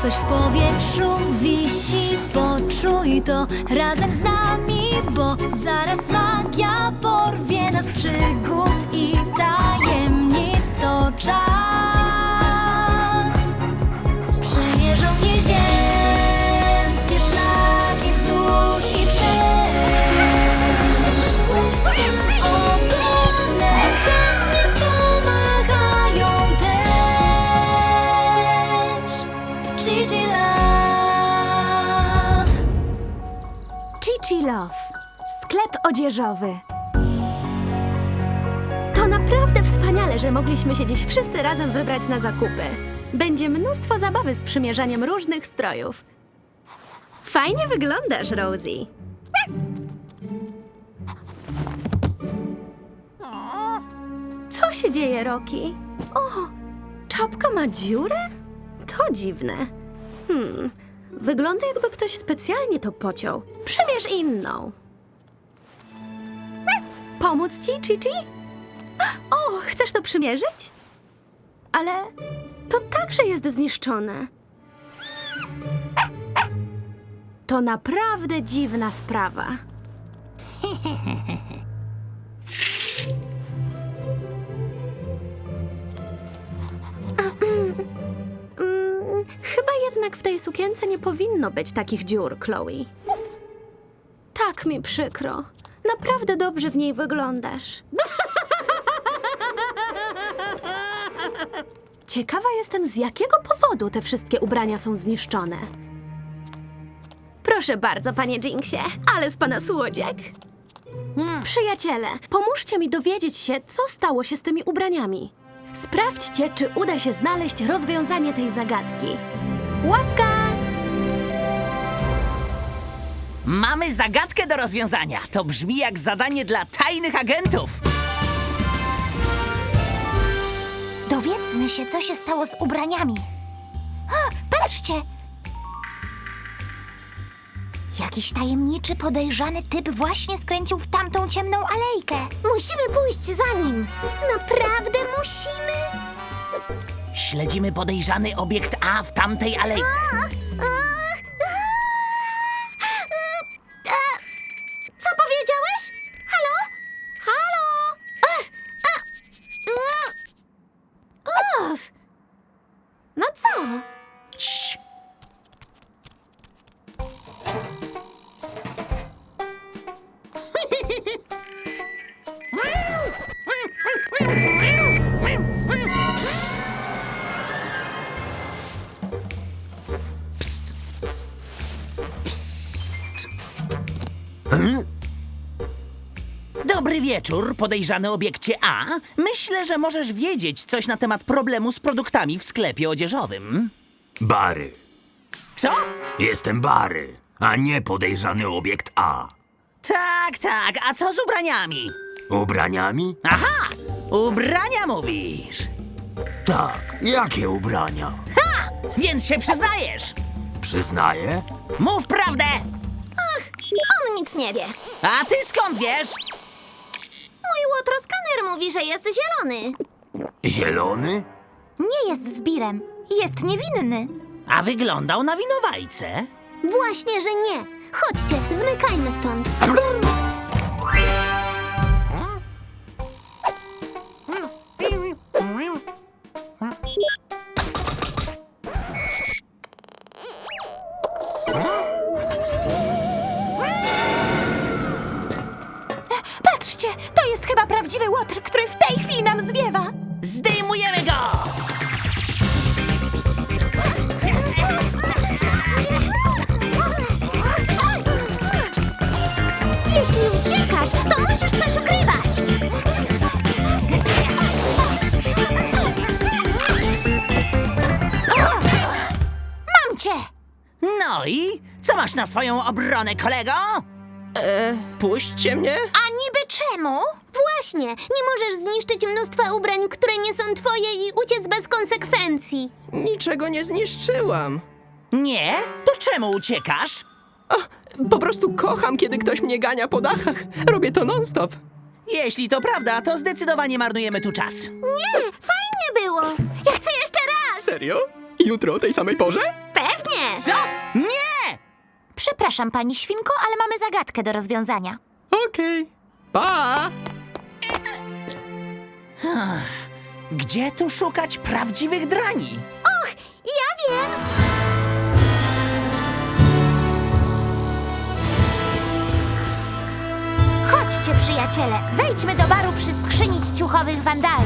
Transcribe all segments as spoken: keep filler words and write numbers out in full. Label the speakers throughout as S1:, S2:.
S1: Coś w powietrzu wisi, poczuj to razem z nami, bo zaraz magia porwie nas przygód i tajemnic. To czas. Przemierzą mnie ziemskie szlaki wzdłuż i wszerz. Ogromne chętnie pomachają też. Gigi Love.
S2: Gigi Love. Sklep odzieżowy. To naprawdę wspaniale, że mogliśmy się dziś wszyscy razem wybrać na zakupy. Będzie mnóstwo zabawy z przymierzaniem różnych strojów. Fajnie wyglądasz, Rosie. Co się dzieje, Rocky? O, czapka ma dziurę? To dziwne. Hmm, wygląda jakby ktoś specjalnie to pociął. Przymierz inną. Pomóc ci, Gigi? O, chcesz to przymierzyć? Ale to także jest zniszczone. To naprawdę dziwna sprawa. Mm, Chyba jednak w tej sukience nie powinno być takich dziur, Chloe. Tak mi przykro. Naprawdę dobrze w niej wyglądasz. Ciekawa jestem, z jakiego powodu te wszystkie ubrania są zniszczone. Proszę bardzo, panie Jinxie, ale z pana słodziak. Przyjaciele, pomóżcie mi dowiedzieć się, co stało się z tymi ubraniami. Sprawdźcie, czy uda się znaleźć rozwiązanie tej zagadki. Łapka!
S3: Mamy zagadkę do rozwiązania. To brzmi jak zadanie dla tajnych agentów.
S4: Dowiedzmy się, co się stało z ubraniami. A, patrzcie! Jakiś tajemniczy, podejrzany typ właśnie skręcił w tamtą ciemną alejkę. Musimy pójść za nim. Naprawdę musimy?
S3: Śledzimy podejrzany obiekt A w tamtej alejce.
S4: Co powiedziałeś? Halo? Halo? Uf, a, uf. No co?
S3: Cii. Psst. Psst. Hmm? Dobry wieczór, podejrzany obiekcie A. Myślę, że możesz wiedzieć coś na temat problemu z produktami w sklepie odzieżowym.
S5: Bary.
S3: Co?
S5: Jestem Bary, a nie podejrzany obiekt A.
S3: Tak, tak, a co z ubraniami?
S5: Ubraniami?
S3: Aha! Ubrania mówisz!
S5: Tak, jakie ubrania?
S3: Ha! Więc się przyznajesz!
S5: Przyznaję.
S3: Mów prawdę!
S4: On nic nie wie.
S3: A ty skąd wiesz?
S4: Mój łotroskaner mówi, że jest zielony.
S5: Zielony?
S4: Nie jest zbirem. Jest niewinny.
S3: A wyglądał na winowajcę.
S4: Właśnie, że nie. Chodźcie, zmykajmy stąd. Patrzcie, to jest chyba prawdziwy łotr, który w tej chwili nam zwiewa.
S3: Zdejmujemy go!
S4: Jeśli uciekasz, to musisz coś ukrywać. Mam cię!
S3: No i co masz na swoją obronę, kolego?
S6: Puśćcie mnie?
S4: A niby czemu? Właśnie, nie możesz zniszczyć mnóstwa ubrań, które nie są twoje i uciec bez konsekwencji.
S6: Niczego nie zniszczyłam.
S3: Nie? To czemu uciekasz?
S6: A, po prostu kocham, kiedy ktoś mnie gania po dachach. Robię to non-stop.
S3: Jeśli to prawda, to zdecydowanie marnujemy tu czas.
S4: Nie, fajnie było. Ja chcę jeszcze raz.
S6: Serio? Jutro o tej samej porze?
S4: Pewnie. Nie!
S3: Co? Nie!
S4: Przepraszam, pani świnko, ale mamy zagadkę do rozwiązania.
S6: Okej. Pa!
S3: Gdzie tu szukać prawdziwych drani?
S4: Ja wiem! Chodźcie, przyjaciele, wejdźmy do baru przy skrzyni ciuchowych wandali.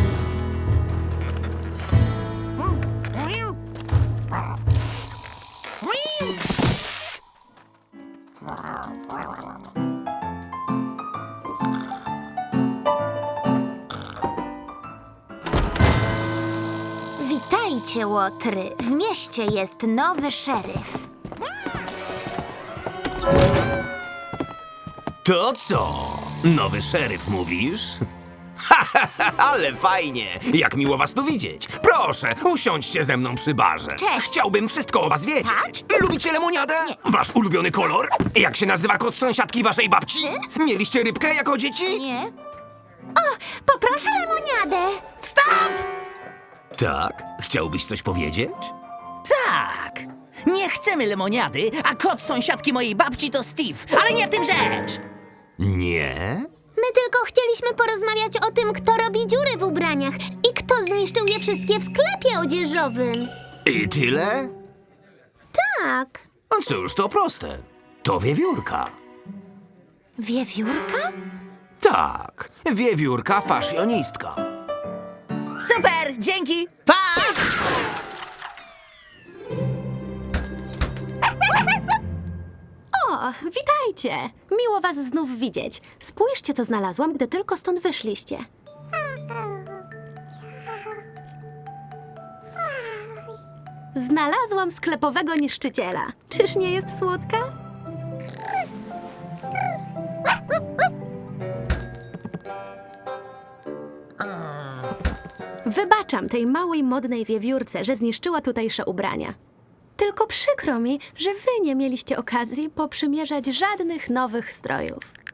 S4: Witajcie, łotry. W mieście jest nowy szeryf.
S5: To co? Nowy szeryf mówisz? Ha, ha, ha, ale fajnie! Jak miło was tu widzieć. Proszę, usiądźcie ze mną przy barze.
S4: Cześć.
S5: Chciałbym wszystko o was wiedzieć. Lubicie lemoniadę? Wasz ulubiony kolor? Jak się nazywa kot sąsiadki waszej babci? Mieliście rybkę jako dzieci?
S4: Nie? O, poproszę lemoniadę.
S3: Stop!
S5: Tak? Chciałbyś coś powiedzieć?
S3: Tak! Nie chcemy lemoniady, a kot sąsiadki mojej babci to Steve, ale nie w tym rzecz!
S5: Nie?
S4: My tylko chcieliśmy porozmawiać o tym, kto robi dziury w ubraniach i kto zniszczył je wszystkie w sklepie odzieżowym.
S5: I tyle?
S4: Tak.
S5: No cóż, to proste. To wiewiórka.
S4: Wiewiórka?
S5: Tak, wiewiórka faszjonistka.
S3: Super, dzięki, pa!
S2: O, witajcie! Miło was znów widzieć. Spójrzcie, co znalazłam, gdy tylko stąd wyszliście. Znalazłam sklepowego niszczyciela. Czyż nie jest słodka? Wybaczam tej małej, modnej wiewiórce, że zniszczyła tutejsze ubrania. Tylko przykro mi, że wy nie mieliście okazji poprzymierzać żadnych nowych strojów.